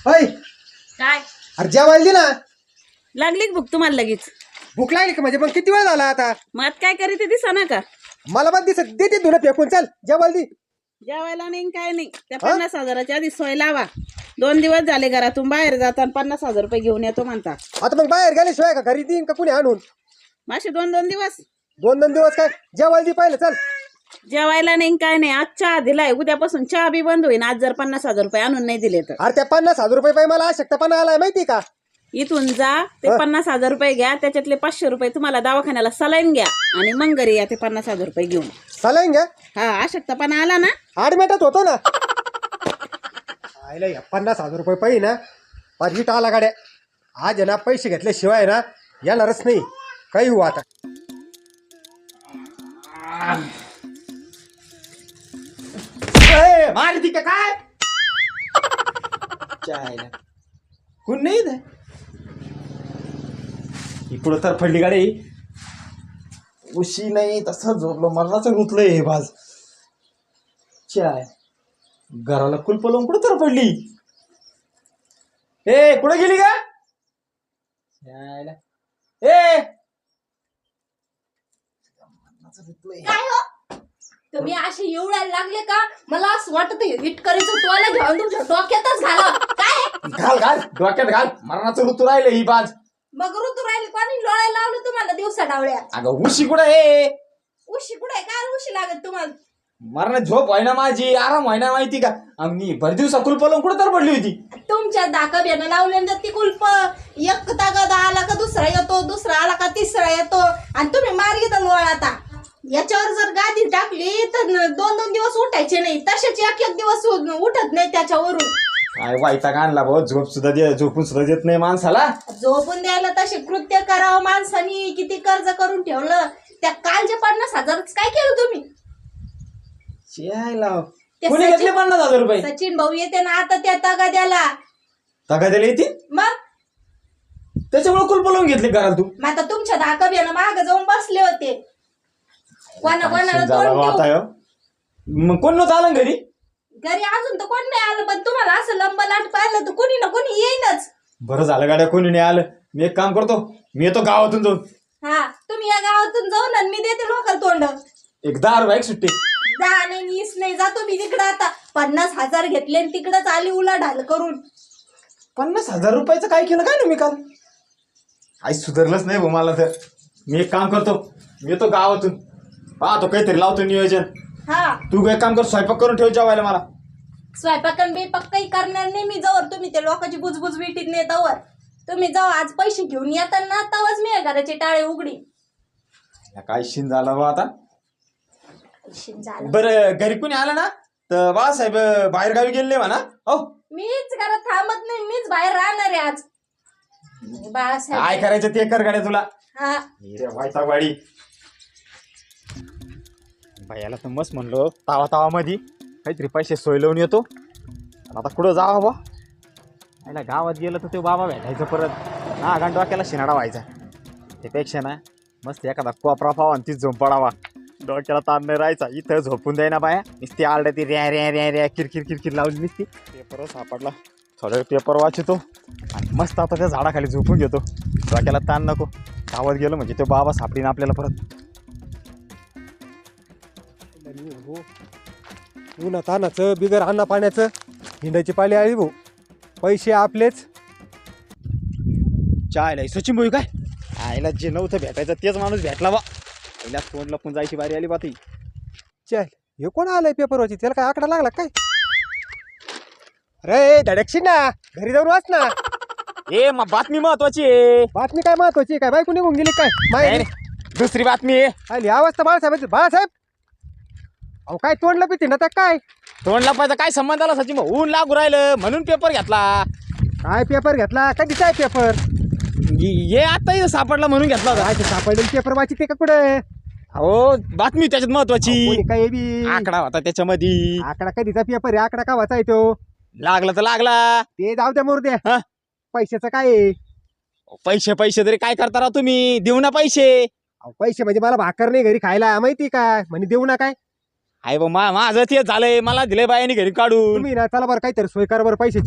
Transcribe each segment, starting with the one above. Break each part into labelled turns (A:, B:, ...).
A: होय
B: काय
A: अरे जेवायला दे ना.
B: लागली का भूक तुम्हाला लगेच?
A: भूक लागली का म्हणजे मग किती वेळ झाला आता?
B: मग काय करीत दिसा ना का?
A: मला पण दिसत देते तुला फेकून. चल जेवायला दे.
B: जेवायला नाही काय नाही. त्या 50,000च्या आधी सोय लावा. 2 दिवस झाले घरातून बाहेर जाता आणि 50,000 रुपये घेऊन येतो म्हणता.
A: आता मग बाहेर गेल्याशिवाय का घरी देईन का कुणी आणून?
B: मासे 2-2 दिवस
A: 2-2 दिवस काय जेवायला दे पाहिलं. चल
B: जेवायला नाही काय नाही. आज चहा दिलाय, उद्यापासून चहा बी बंद होईल. आज जर 50,000 रुपये आणून नाही दिले तर
A: अरे त्या 50,000 रुपये पाहिजे मला अशक्तपणा आलाय माहिती का?
B: इथून जा, ते 50,000 रुपये घ्या, त्याच्यातले 500 रुपये तुम्हाला दवाखान्याला सलाईन घ्या आणि मग घरी या ते 50,000 रुपये घेऊन.
A: चालेल घ्या.
B: हा अशक्तपणा आला ना.
A: 8 मिनिटात होतो ना. आयला या 50,000 रुपये पाहिजे ना. पाठीट आला गाड्या. आज आहे ना पैसे घेतल्याशिवाय ना येणारच नाही. काही हो आता.
C: मारती का काय? चायला कोण नाही इथं? इकडं तर फडली गाडी. उशी नाही तसं झोपलो. मरणाचं गुतलंय हे भाज. चाय घराला कुलप लावून कुठं तर पडली. ए कुठं गेली का? चायला ए
D: काय हो तुम्ही असे एवढ्याला लागले का? मला असं वाटत इटकरीचं टोला घेऊन तुमच्या डोक्यातच घाला. काय
C: घाल घाल डोक्यात घाल. मरणाचं ऋतू राहिले ही बाज.
D: मग ऋतू राहिले कोणी लोळायला लावलं तुम्हाला दिवसा डावळ्या?
C: अगं उशी कुठं आहे?
D: उशी कुठे काय उशी लागत तुम्हाला?
C: मरण झोप व्हायना माझी, आराम व्हायना माहिती का? आम्ही भर दिवसा कुलप लावून कुठं तर पडली होती.
D: तुमच्या दाका बेनं लावल्यानंतर ती कुलप एक तागदा आला का दुसरा येतो, दुसरा आला का तिसरा येतो आणि तुम्ही मार्गी तर लोळाता. याच्यावर जर गादी टाकली तर 2-2 दिवस उठायचे नाही. तसेच एक दिवस उठत नाही त्याच्यावरून.
C: काय वाईटा आणला भाऊ. झोप सुद्धा झोपून सुद्धा देत नाही माणसाला.
D: झोपून द्यायला तसे कृत्य करावं माणसानी. किती कर्ज करून ठेवलं. त्या कालचे 50,000 काय केलं तुम्ही? ते
C: कोणी घेतले 50,000 रुपये?
D: सचिन भाऊ येते ना आता त्या तगाद्याला.
C: तगाद्याला येते
D: मग
C: त्याच्यामुळे कुलप लावून घेतले घरात तू.
D: मग आता तुमच्या धाका बेनं माग जाऊन बसले होते. कोणाला तोंड देऊ?
C: मग कोण नव्हतं आलं घरी?
D: घरी अजून तर कोण नाही आलं. पण तुम्हाला असं लंबलाट पाहिलं तर कोणी ना कोणी येईनच.
C: बरं झालं गाड्या कोणी नाही आलं. मी एक काम करतो, मी येतो गावातून जाऊन.
D: हा तुम्ही या गावातून जाऊन आणि मी देते लोकल तोंड.
C: एक 10 बाईक सुट्टी.
D: जा नाही नीस नाही जातो मी तिकडं. आता 50,000 घेतले आणि तिकडच आली उलाढाल करून.
C: 50,000 रुपयाचं काय केलं काय ना मी काल? आई सुधारलंच नाही भाऊ मला तर. मी एक काम करतो, मी येतो गावातून. पाहतो काहीतरी लावतो नियोजन.
D: हा
C: तू एक काम कर, स्वयंपाक करून ठेव जेवायला मला.
D: स्वयंपाकन बेपाक काही करणार नाही मी. जवळ तुम्ही ते लोकांची बुजबुज विटीत नाही तवर. तुम्ही जाऊ आज पैसे घेऊन येताना तवाच मी घराचे टाळे उघडी.
C: काय शिन झाला बा आता.
D: झालं
C: बरं घरी कोणी आलं ना तर बाळासाहेब बाहेर गावी गेले म्हणा. हो
D: मीच घरात थांबत नाही. मीच बाहेर राहणार आहे आज.
C: काय
D: बाळासाहेब
C: करायचं ते कर गाड्या तुला.
D: हा
C: वाडी बायाला तर मस्त म्हणलो तावा तावा मध्ये काहीतरी पैसे सोय लावून येतो. आता कुठं जावा बा. याला गावात गेलं तर ते बाबा भेटायचं परत. हा डोक्याला शिनाडा व्हायचा. त्यापेक्षा ना मस्त एखादा कोपरा पावा आणि तीच झोप पडावा. डोक्याला ताण नाही राहायचा. इथं झोपून द्याय ना बाया. नुसती आरड्या ती रॅ रॅ रॅ रॅ किरकिर किरकिर लावली नुसती. पेपर सापडला, थोडं पेपर वाचतो आणि मस्त आता त्या झाडाखाली झोपून घेतो. डोक्याला ताण नको. गावात गेलो म्हणजे तो बाबा सापडीन आपल्याला परत.
A: उन्हा तानाचं बिगर अन्न पाण्याचं हिंडायची पाळी आली भाऊ. पैसे आपलेच.
C: चायला सचिन भाऊ काय आईला जे नव्हतं भेटायचं तेच माणूस भेटला बा. पहिल्या तोंड लपून जायची बारी आली बा ती.
A: चल हे कोण आलंय पेपर वाची? त्याला काय आकडा लागला काय? अरे धडकशी ना घरी जाऊन वाच ना.
C: ए मग बातमी महत्वाची आहे.
A: बातमी काय महत्वाची? काय बायको निघून गेली काय? माहिती
C: दुसरी बातमी आहे.
A: आली आवाज तर बाळासाहेब. बाळासाहेब अहो काय तोंडला पिते ना त्या काय?
C: तोंड लपायचा काय संबंध आला सचिन भाऊ? ऊन लागू राहिलं म्हणून पेपर घेतला.
A: काय पेपर घेतला? कधीचा आहे पेपर?
C: ये आता इथं सापडला म्हणून घेतला होता.
A: काय सापडले पेपर वाची ते का कुठे?
C: हो बातमी त्याच्यात महत्वाची.
A: काय बी
C: आकडा होता त्याच्यामध्ये.
A: आकडा कधीचा पेपर आहे? आकडा का वाचाय तो?
C: लागला तर लागला.
A: ते जाऊ द्या मोर
C: हा?
A: द्या. पैशाचं काय आहे?
C: पैसे पैसे तरी काय करता राव तुम्ही? देऊ ना पैसे.
A: अहो, पैसे म्हणजे मला भाकर नाही घरी खायला माहिती का? म्हणजे देऊ ना काय?
C: आहे बा माझं तेच झालंय. मला दिलंय बायाने घरी काढून.
A: तुम्ही ना चला बरं काहीतरी सोय करा बरं पैशाची.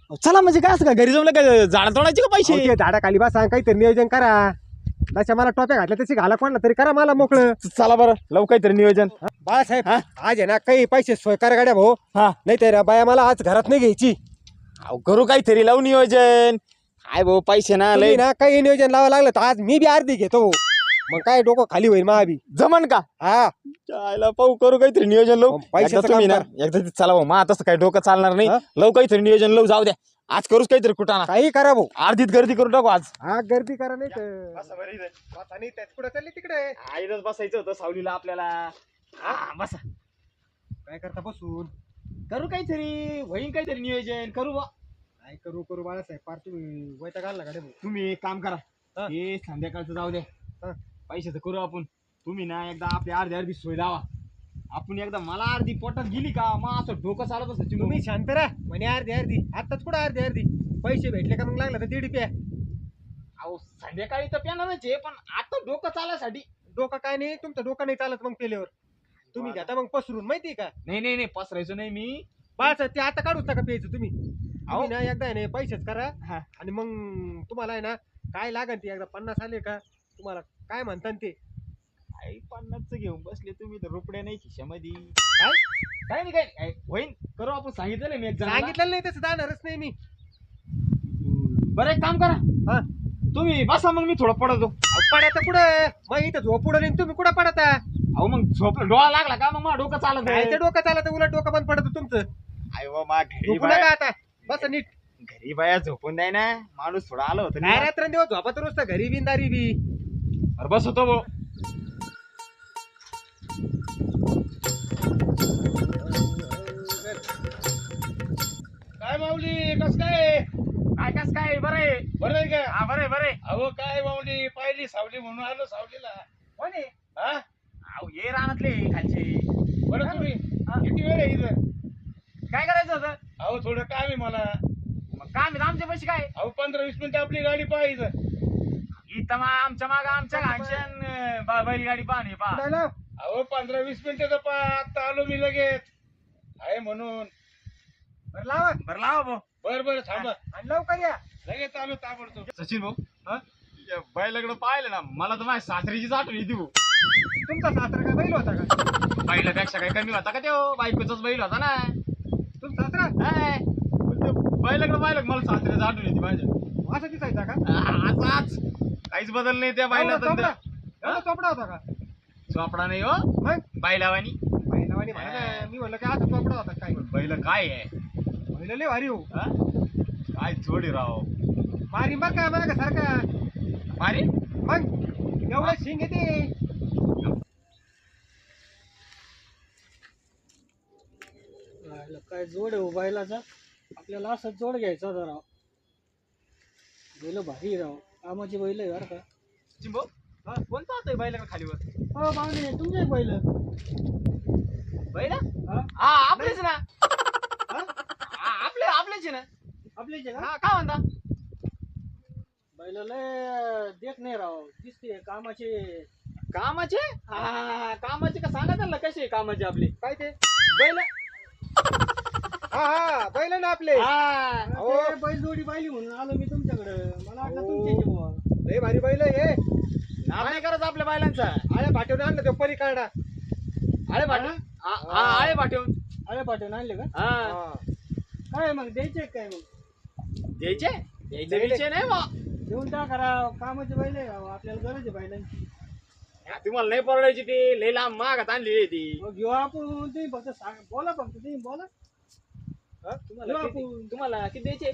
C: चला म्हणजे काय असं का घरी जमलं काय झाड तोडायचे का पैसे
A: अहो, ते झाडाखाली बसा काहीतरी नियोजन करा. तशा मला टोप्या घातल्या तशी घाला कोणला तरी करा मला मोकळं.
C: चला बरं लव काहीतरी नियोजन.
A: बाळासाहेब
C: हा?
A: आज आहे ना काही पैसे सोय करा गाड्या भाऊ.
C: हा
A: नाही तर बाया मला आज घरात नाही घ्यायची.
C: अहो करू काहीतरी लावू नियोजन. काय भाऊ पैसे ना
A: तुम्ही
C: लय
A: ना काही नियोजन लावावं लागलं तर आज मी बी अर्धी घेतो. मग काय डोकं खाली होईल महाबी.
C: जमन का
A: हा
C: चायला पाहू करू काहीतरी नियोजन लावू.
A: मग पैशाचं
C: एकदा तुम्ही
A: काम
C: ना एकदा चला भाऊ मा तसं काही डोकं चालणार नाही.
A: हा?
C: लव काहीतरी नियोजन लावू जाऊ द्या. आज करूच काहीतरी कुठाना
A: काही करा भाऊ.
C: अर्धीत गर्दी करू टाकू आज.
A: हा गर्दी करा नाही तर बसा नाही त्यात कुठं चालली तिकडे.
C: आईलाच बसायचं होतं सावलीला आपल्याला. बसा
A: काय करता बसून.
C: करू काहीतरी होईन काहीतरी नियोजन करू बा.
A: काय करू करू बाळासाहेब पार तुम्ही वैताग घालला गाड्या भाऊ.
C: तुम्ही एक काम करा
A: हा?
C: हे संध्याकाळचं जाऊ द्या.
A: हा?
C: पैशाचं करू आपण. तुम्ही ना एकदा आपली अर्धी सोय लावा. आपण एकदा मला अर्धी पोटात गेली का मग असं डोकं चालत असतं चिमू.
A: तुम्ही शांत राहा म्हणे अर्धी अर्धी आताच कुठं अर्धी अर्धी पैसे भेटले का मग लागलं तर 1.5 प्या.
C: अहो संध्याकाळी तर प्यानाच आहे पण आता डोकं चालायसाठी.
A: डोकं काय नाही तुमचं डोकं नाही चालत मग पेल्यावर. तुम्ही घेता मग पसरून माहिती का.
C: नाही नाही नाही पसरायचो नाही मी.
A: बाळासाहेब ते आता काढूच नका प्यायचं तुम्ही.
C: अहो.
A: तुम्ही ना एकदा आहे ना पैसेच करा.
C: हा.
A: आणि मग तुम्हाला आहे ना काय लागन ते एकदा 50 आले का तुम्हाला काय म्हणतात ते.
C: आई 50 घेऊन बसले तुम्ही तर रुपड्या नाही खिशामध्ये.
A: काय
C: काय नाही काय नाही. होईन करू आपण सांगितलं नाही मी एक जणाला.
A: सांगितलं नाही तसं जाणारच नाही मी.
C: बरं एक काम करा
A: हा
C: तुम्ही बसा मग मी थोडं पडतो.
A: पडायचं कुठं मग इथं झोप उडवली तुम्ही कुठं पडता.
C: अहो मग झोप डोळा लागला का मग माझं डोकं चालत
A: काय ते डोकं चालत उलट डोकं बंद पडतं तुमचं.
C: आई मा घरी
A: झोपू
C: बाया
A: नका आता बस नीट.
C: घरी बाया झोपून द्याय ना माणूस थोडा आलं होतं
A: काय
C: ना.
A: रात्रंदिवस झोपत रोजता घरी बी दारी बी.
C: अरे बस होतो भाऊ.
E: काय माऊली कस काय
C: काय कस काय बरं आहे.
E: बरं आहे का?
C: हा बरे बरे.
E: अहो काय माऊली पाहिली सावली म्हणून आलो सावलीला.
C: कोण आहे
E: हा
C: अहो ये रानातले खालचे.
E: बरं तुम्ही
C: हा?
E: किती वेळ आहे इथं?
C: काय करायचं होतं.
E: अहो थोडं काम आहे मला.
C: मग काय आमच्या पैसे काय
E: अहो 15-20 मिनिटं आपली गाडी पाहिजे.
C: इथं आमच्या माग आमच्या घालशन बैलगाडी पाहणे पा.
A: कुठं आलं?
E: अहो 15-20 मिनिटं तर आता आलो मी लगेच आहे म्हणून.
A: बरं लावा
C: बरं लावा भाऊ.
E: बरं बरं थांबा
A: आणि लवकर या.
E: लगेच आलो ताबडतोब.
C: सचिन भाऊ बैलाकडे पाहिलं ना मला तर माझ्या सासरीचीच आठवण येते भाऊ.
A: तुमचा सासरा काय बैल होता का.
C: बैलापेक्षा काही कमी होता का तो बायकोचाच बैल होता ना.
A: तुमचा सासरा
C: हाय. पण ते बैलाकडे पाहिलं का मला सासरीच आठवण येते माझ्या.
A: असं दिसायचा का.
C: आज काहीच बदल नाही त्या
A: एवढा
C: बैलात.
A: चोपडा एवढा चोपडा होता का.
C: चोपडा नाही हो
A: मग
C: बैलावानी.
A: बैलावानी म्हणा मी म्हणलं की असं चोपडा होता काय.
C: बैल काय आहे
A: बैल लय भारी हो.
C: हा? काय जोडी राव.
A: मारी बघ काय बघा सारखा.
C: मारी
A: मग एवढं शिंग येते.
F: काय जोड आहे बैलाचा. आपल्याला असं जोड घ्यायचा होता राव. बैल भारी राव कामाची बैल आहे बरं का.
C: चिंबो कोणता होता बैलाकडे खालीवर.
F: हो पाहुणे तुमचे बैल.
C: बैल
F: हा
C: हा आपलेच ना. आपलेच आहे ना.
F: आपलीच आहे का.
C: हा काय म्हणता.
F: बैल लय देख नाही राव दिसते कामाचे.
C: कामाचे हा कामाचे का सांगा त्यांना कसे कामाचे आपले.
A: काय ते
C: बैल
A: हा हा बैल ना आपले.
C: हा
A: हो.
F: ते बैल जोडी पाहिली म्हणून आलो मी तुमच्याकडे. मला वाटलं तुमचे बुवा.
A: लय भारी बैल हे.
C: नाव नाही करायचं आपल्या बैलांचा.
A: आळ्या पाठवून आणलं ते परी काढा.
C: आळे पाठवून आळे पाठवून.
F: अरे पाठवून आणले का.
C: हा
F: काय मग द्यायचे काय मग.
C: द्यायचे द्यायचे विषय नाही बा.
F: देऊन टाका राव कामाचे बैल आहे राव आपल्याला गरज आहे बैलांची.
C: तुम्हाला नाही परवडायची ती लई लांब मागात आणली ती.
F: मग घेऊ आपण. तुम्ही फक्त सांग बोला फक्त तुम्ही बोला.
C: तुम्हाला
F: घेऊ
C: किती-
F: आपण.
C: तुम्हाला किती द्यायचे.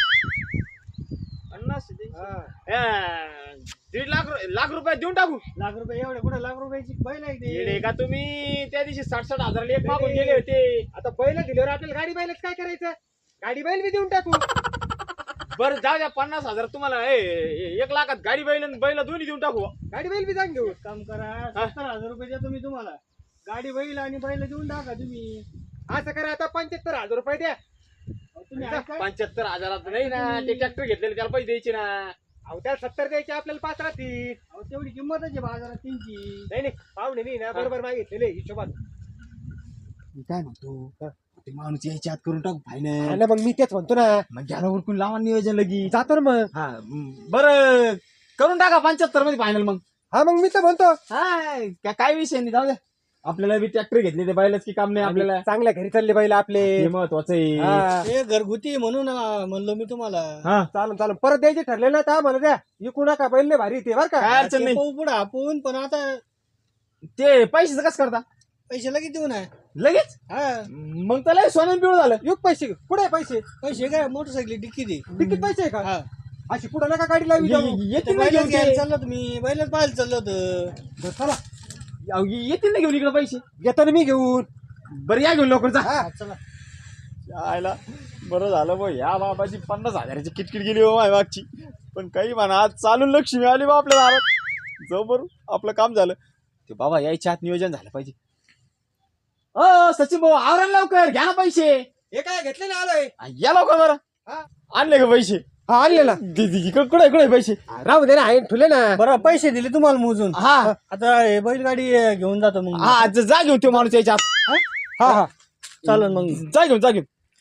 C: 50 द्यायचे.
A: हा.
C: 1.5 लाख रुपये देऊन टाकू.
F: लाख रुपये एवढे कुठे लाख रुपयाची बैल आहे
C: येडे
F: ते.
C: का तुम्ही त्या दिवशी 60 हजाराला एक मागून गेले होते.
A: आता बैल दिल्यावर आपल्याला गाडी बैलच काय करायचं. गाडी बैल बी देऊन टाकू.
C: बरं जाऊ द्या 50,000 तुम्हाला 1 लाखात गाडी बैल दोन्ही देऊन टाकू.
A: गाडी बैल बी जाऊन घेऊ.
F: एक काम करा 70,000 रुपये देतो मी तुम्हाला. गाडी बैल आणि बैल देऊन टाका तुम्ही.
A: असं करा आता 75,000 रुपये द्या.
F: अहो, तुम्ही ऐका.
C: 75,000 नाही ना ते ट्रॅक्टर घेतलेले त्याला पैसे द्यायचे ना.
A: अहो त्याला 70 द्यायचे आपल्याला 5 राहतील.
F: अहो, तेवढी किंमतच आहे बाजारात त्यांची.
A: नाही नाही पाहुणे नाही ना बरोबर मागितलेले हिशोबात.
F: मी काय म्हणतो
C: ते माणूस यायच्या आत करून टाकू फायनल.
A: आणि मग मी तेच म्हणतो ना,
C: मग घ्याला उरकून लावा नियोजन लगी.
A: जातो ना मग.
C: हा बरं करून टाका 75 मध्ये फायनल मग.
A: हा मग मी तर म्हणतो
C: काय विषय नाही, जाऊ दे. आपल्याला बी ट्रॅक्टर घेतले ते बैलच की काम नाही आपल्याला.
A: चांगल्या घरी चालले बैल आपले.
C: हे महत्वाचं आहे.
A: हा.
F: हे घरगुती म्हणून म्हणलो मी तुम्हाला.
C: हा
A: चालून चालून परत द्यायचे ठरले ना तर मला द्या. इकू नका बैल लय भारी ते बरं का.
C: काय अडचण नाही.
F: पुढे आपण पण आता
C: ते पैशाचं कसं करता
F: पैसे लगेच देऊ ना.
C: लगेच?
F: हा
C: मग त्याला सोनं पिवळ झालं.
A: युग पैसे कुठे पैसे
F: पैसे काय मोटरसायकल डिक्की दे.
A: तिकीट पैसे आहे का?
F: हा
A: अशी पुढे नका गाडी लावी जाऊ.
C: येतील ना
F: बैलच
C: घेऊन
F: घ्यायला
C: ते.
F: चाललो तुम्ही बैलच पाहायला चाललो होतं.
A: बरं, चला
C: येतील ना घेऊन इकडे पैसे.
A: घेतो ना मी घेऊन.
C: बरं या घेऊन लवकर जा.
A: हा
C: आयला बरं झालं बा, या बाबाची 50,000ची किटकिट गेली हो माझ्या मागची. पण काही म्हणा आज चालून लक्ष्मी आली बा आपल्या दारात. जाऊ बरं आपलं काम झालं. ते बाबा यायच्या आत नियोजन झालं पाहिजे. सचिन भाऊ आवरण लवकर घ्या ना पैसे.
A: हे काय घेतले ना आलोय.
C: या लवकर बरं. आणले का पैसे?
A: हा आणलेला.
C: कुठे कुठे पैसे?
A: राहू दे ना आहे ठुले ना.
F: बरं पैसे दिले तुम्हाला मोजून.
C: हा
F: आता हे बैलगाडी घेऊन जातो मग.
C: हा जा घेऊन तो माणूस यायच्या आत.
A: हा हा
F: चालेल मग.
C: जा घेऊन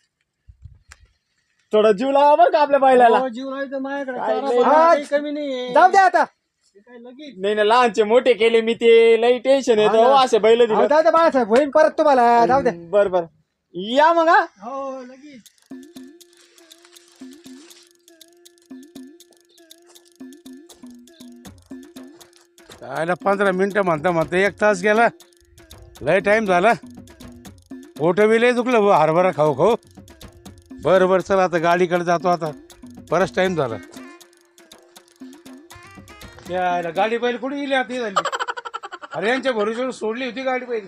C: थोडा जीव लावा बरं का आपल्या बैलाला.
F: हो, जीव राहायचं माझ्याकडे.
C: काय
F: चारा
C: लय-
F: पाणी
A: हा,
F: काही कमी नाही.
A: जाऊ द्या आता.
F: काय लगेच.
C: नाही ना लहानचे मोठे केले मी ते लई टेन्शन येतं हो, असे बैल
A: अहो,
C: दिले.
A: जाऊ द्या बाळासाहेब होईन परत तुम्हाला. जाऊ द्या.
C: बर बर या मग. हा
F: हो लगेच.
E: काय 15 मिनिटं म्हणता 1 तास गेला. लय टाइम झाला. पोट बी लय दुखलं बुवा, हरभरा खाऊ. बरं चला आता गाडीकडे जातो. आता बराच टाइम झाला. यायला गाडी बैल कुठे गेली आता? ही झाली. अरे यांच्या भरोश्यावर सोडली होती गाडी बैल.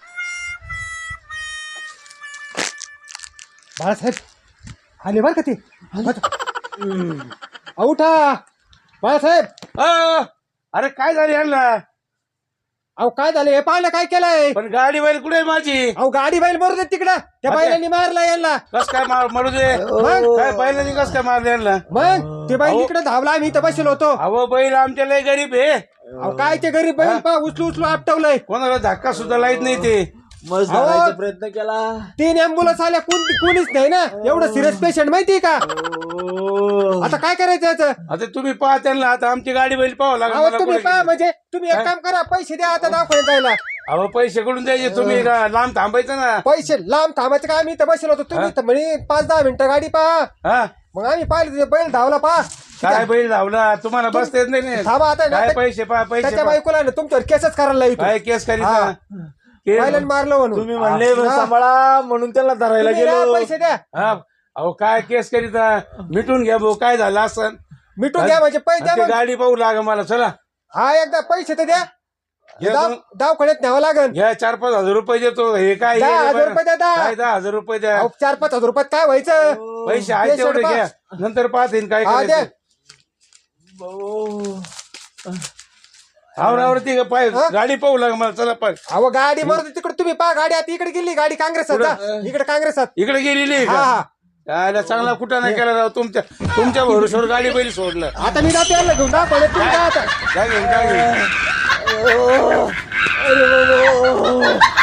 A: बाळासाहेब आले बरं का ते. उठा बाळासाहेब.
E: अरे काय झालं यांना?
A: अहो काय झालं हे पाहिलं काय केलंय?
E: पण गाडी बैल कुठे आहे माझी?
A: अहो गाडी बैल मरू दे तिकडं. त्या
E: अच्छा.
A: बैलांनी मारला यांना.
E: कस काय मारू दे?
A: मग
E: काय बैलांनी कस काय मारलं यांना?
A: मग ते बैल
E: अहो.
A: इकडे धावला आम्ही इथं बसलो होतो.
E: अहो बैल आमच्या लय गरीब आहे.
A: अहो काय ते गरीब बैल पा उचलू आपटवलंय.
E: कोणाला धक्का सुद्धा लाईत नाही ते.
C: मस्त
A: अहो.
C: धरायचा प्रयत्न केला.
A: 3 अँब्युलन्स आल्या कोणीच नाही ना. एवढं सिरियस पेशंट माहितीये का? आता काय करायचं याचं?
E: आता तुम्ही पाहा त्यांना. आता आमची गाडी बैल पाहावं लागेल
A: अहो
E: मला
A: तुम्ही
E: कुठे
A: पहा
E: गेली.
A: म्हणजे तुम्ही एक काम करा पैसे द्या आता दवाखान्यात जायला.
E: अहो पैसे कडून द्यायचे. तुम्ही लांब थांबायचं ना.
A: पैसे लांब थांबायचं का? आम्ही इथं बसलो होतो. तुम्ही इथं म्हणे 5-10 मिनिटं गाडी पहा.
E: हा
A: मग आम्ही पाहिलं ते बैल धावला पहा.
E: काय बैल धावला? तुम्हाला बसता येत नाही.
A: थांबा आता
E: काय पैसे पहा पैसे
A: त्याच्या
E: पहा.
A: बायकोला ना तुमच्यावर केसच करायला येतो.
E: काय केस करीत
A: हा.
E: ना? केस-
A: बैलांनी मारलं म्हणून.
C: तुम्ही म्हणले
A: हा.
C: सांभाळा म्हणून त्याला धरायला
A: तुम्ही द्या,
C: गेलो.
A: पैसे द्या.
E: हा अहो काय केस करीत मिटून घ्या भाऊ. काय झालं असं?
A: मिटून द्या म्हणजे पैसे द्या
E: ते
A: मग.
E: गाडी पाहू लाग मला. चला
A: हा एकदा पैसे तर द्या.
E: घ्या
A: दवाखान्यात न्यावं लागेल.
E: घ्या 4-5 हजार रुपये देतो. हे काय
A: 10,000 रुपये द्या.
E: काय 10,000 रुपये द्या.
A: 4-5 हजार रुपयात काय व्हायचं?
E: पैसे आहेत तेवढे
A: patient
E: घ्या. नंतर पाहते काय
A: हा द्या.
E: करायचं. आवरावरती पाय गाडी पाहू लाग मला. चला पाय.
A: अहो गाडी मरते तिकडे. तुम्ही पहा गाडी आता इकडे गेली. गाडी काँग्रेसात जा. इकडे काँग्रेसात.
E: इकडे गेलेली आहे
A: हा
E: का?
A: हा
E: यायला चांगला कुठं नाही केला राव. तुमच्या भरोश्यावर गाडी बैल सोडलं.
A: आता मी जातो यांना घेऊन दाखवलं. तुम्ही काय आता
E: काय घेऊन